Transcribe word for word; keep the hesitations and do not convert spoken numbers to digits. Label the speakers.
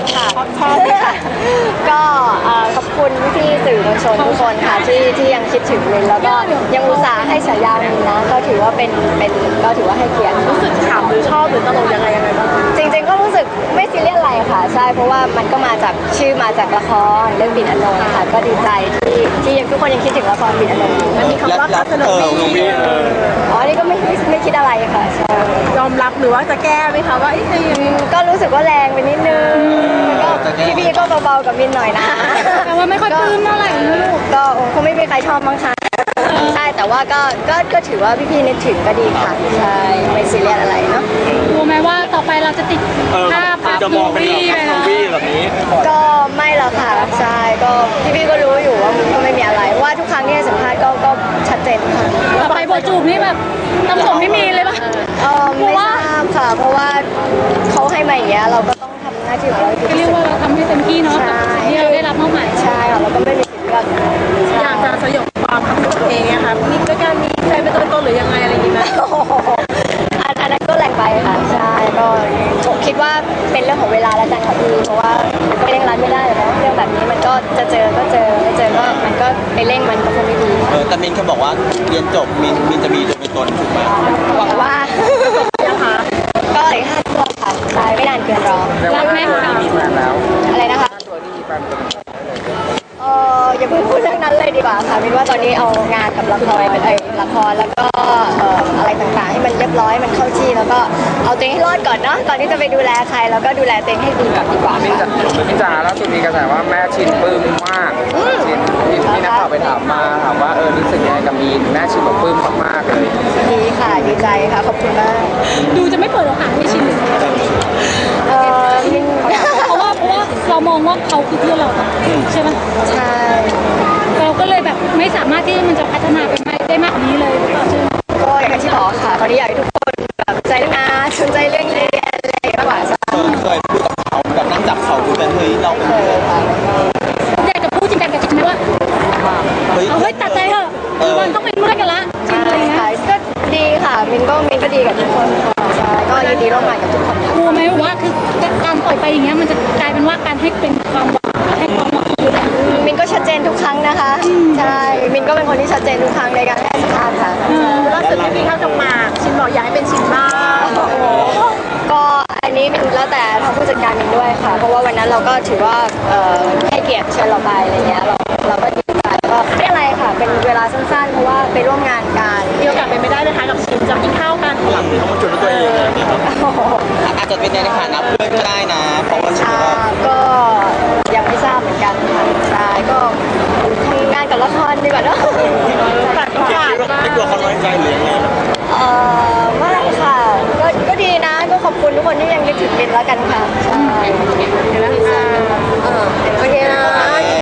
Speaker 1: ค่ะชอบค่ะก็ขอบคุณพี่สื่อมวลชนทุกคนค่ะที่ที่ยังคิดถึงมินแล้วก็ยังอุตส่าห์ให้ฉายามินนะก็ถือว่าเป็นเป็นก็ถือว่าให้เกียรติรู้สึกขำหรือชอบหรือตลกยังไงยังไงบ้างจริงๆก็รู้สึกไม่ซีเรียสอะไรค่ะใช่เพราะว่ามันก็มาจากชื่อมาจากละครเรื่องบินอนงค์ค่ะก็ดีใจที่ที่ยังทุกคนยังคิดถึงละครบินอนงค์อยู่มันมีคำว่าพัฒนาบีอ๋อนี่ก็ไม่ไม่คิดอะไรค่ะใช่ยอมรับหรือว่าจะแก้ไหมคะว่าก็รู้สึกว่าแรงไปนิดนึงก็พี่ๆก็เบาๆกับมินหน่อยนะ
Speaker 2: แต่ว่าไม่ค่อยปลื้มเท่าไหร่นะลูก
Speaker 1: ก็คงไม่มีใครชอบมั้งคะใช่แต่ว่าก็ก็ก็ถือว่าพี่ๆนึกถึงก็ดีค่ะใช่ไม่ซีเรียสอะไรเนาะ
Speaker 2: รู้ไหมว่าต่อไปเราจะติดภาพภาพมูวี่
Speaker 3: แบบนี้
Speaker 1: ก็ไม่หรอกค่ะใช่ก็พี่ๆก็รู้อยู่ว่ามันก็ไม่มีอะไรว่าทุกครั้งที่ให้สัมภาษณ์ก็ก็ชัดเจนค่ะ
Speaker 2: ต่อไปโบจูบนี่แบบต้องส่งให้มีเลยป่ะ
Speaker 1: เออไม่ทราบค่ะเพราะว่าเขาให้มาอย่างเงี้ยเราก็ต้องทำหน้าที่ของเรา
Speaker 2: เรียกว่าเราทำให้เต็มที่เนาะที่เราได้รับมอบหมาย
Speaker 1: ใช่ค่ะเราก็ไม่มีสิทธิ์เลือก
Speaker 4: อยากจะสยบความทำของตัวเองนะคะมีด้วยการมีใครเป็นตัวตนหรือยังไงอะไรอย่างนี้ไหม
Speaker 1: อันนั้นก็แรงไปค่ะใช่ก็คิดว่าเป็นเรื่องของเวลาแล้วกันค่ะพี่เพราะว่าก็เร่งรัดไม่ได้เนาะเรื่องแบบนี้มันก็จะเจอก็เจอไม่เจอก็มันก็ไปเร่งมันก็คงไม่ดี
Speaker 3: เออแต่มินแค่บอกว่าเรียนจบมินมินจะมีตัวเป็นตนถูกไหม
Speaker 1: หวังว่านะคะก็อีกห้าตัวค่ะใช่ไม่นานเกินรอ
Speaker 2: รักไหม
Speaker 3: มีแฟนแล้ว
Speaker 1: อะไรนะคะเอออย่าเพิ่งพูดเรื่องนั้นเลยดีกว่าค่ะมินว่าตอนนี้เอางานกับละครเป็นไอ้ละครแล้วก็อะไรต่างๆให้มันเรียบร้อยมันเข้าที่แล้วก็เอาตัวเองให้รอดก่อนเนาะก่อนที่จะไปดูแลใครแล้วก็ดูแลตัวเองให้ดีก่อนดีกว่า
Speaker 3: พี่จ๋าพี่จ๋าแล้วสุดมีกระแสว่าแม่ชินปลื้มมากชินพี่นักข่าวไปถามมาถามว่าเออรู้สึกยังไงกับมีนแม่ชินบอกปลื้มมากๆเลย
Speaker 1: ดีค่ะดีใจค่ะขอบคุณมาก
Speaker 2: ดูจะไม่เปิดโอกาสให้ชินเลย
Speaker 1: เออมิน
Speaker 2: เพราะว่าเพราะว่าเรามองว่าเขาคือเพื่อนเราใช่ไหม
Speaker 1: ใช่
Speaker 2: เราก็เลยแบบไม่สามารถที่มันจะพัฒนาไปได้มากกว่านี้เลย
Speaker 1: ก็อย่างที่บอกค่ะตอนนี้อยากให้ทุกคนแบบใจงานสนใจเรื่องเรียนอะไรมากกว่า
Speaker 3: เคยพูดกับเขาแบบนั่งจับเขาคุยกันเฮ้ยเราเป็นเพื่อน
Speaker 2: อยากจะพูดจริงจังกับชินไหมว่าเอาเฮ้ยตัดใจเถอะมันต้องเป็นเพื่อนกันละ
Speaker 1: ใช่ค่ะก็ดีค่ะมินก็มินก็ดีกับทุกคนใช่ก็ยินดีร่วมงานกับทุกคน
Speaker 2: กลัวไหมว่าคือการปล่อยไปอย่างเงี้ยมันจะกลายเป็นว่าการให้เป็นความหวังให้ความหวัง
Speaker 1: มินก็ชัดเจนทุกครั้งนะคะใช่มินก็เป็นคนที่ชัดเจนทุกครั้งในการให้สัมภาษณ์ค่ะ
Speaker 4: ล่าสุดที่พี่เข้าจะมาชินบอกอยากให้เป็นชินบ้าง
Speaker 1: ก็อันนี้มินแล้วแต่ทางผู้จัดการมินด้วยค่ะเพราะว่าวันนั้นเราก็ถือว่าให้เกียรติเชิญเราไปอะไรเงี้ยเราเราก็ดีใจก็ไม่อะไรค่ะเป็นเวลาสั้นๆเพราะว่าไปร่วมงานกัน
Speaker 4: มีโอกาสเป็นไม่ได้ไหมคะกับชินจะกินข้าวกัน
Speaker 3: หลังเขามาจุดตัวเองอาจจะเป็นในฐานะเพื่อนก็ได้นะเพราะว่าชิน
Speaker 1: ก็ยังไม่ทราบเหมือนกันค่ะใช่ก็ทำงานกับละครดีกว่าเนาะ
Speaker 3: แต่ก็ไม่กลัวเขาน้อยใจหรือยังไง
Speaker 1: เออไม่ค่ะก็ก็ดีนะก็ขอบคุณทุกคนที่ยังนึกถึงมินแล้วกันค่ะ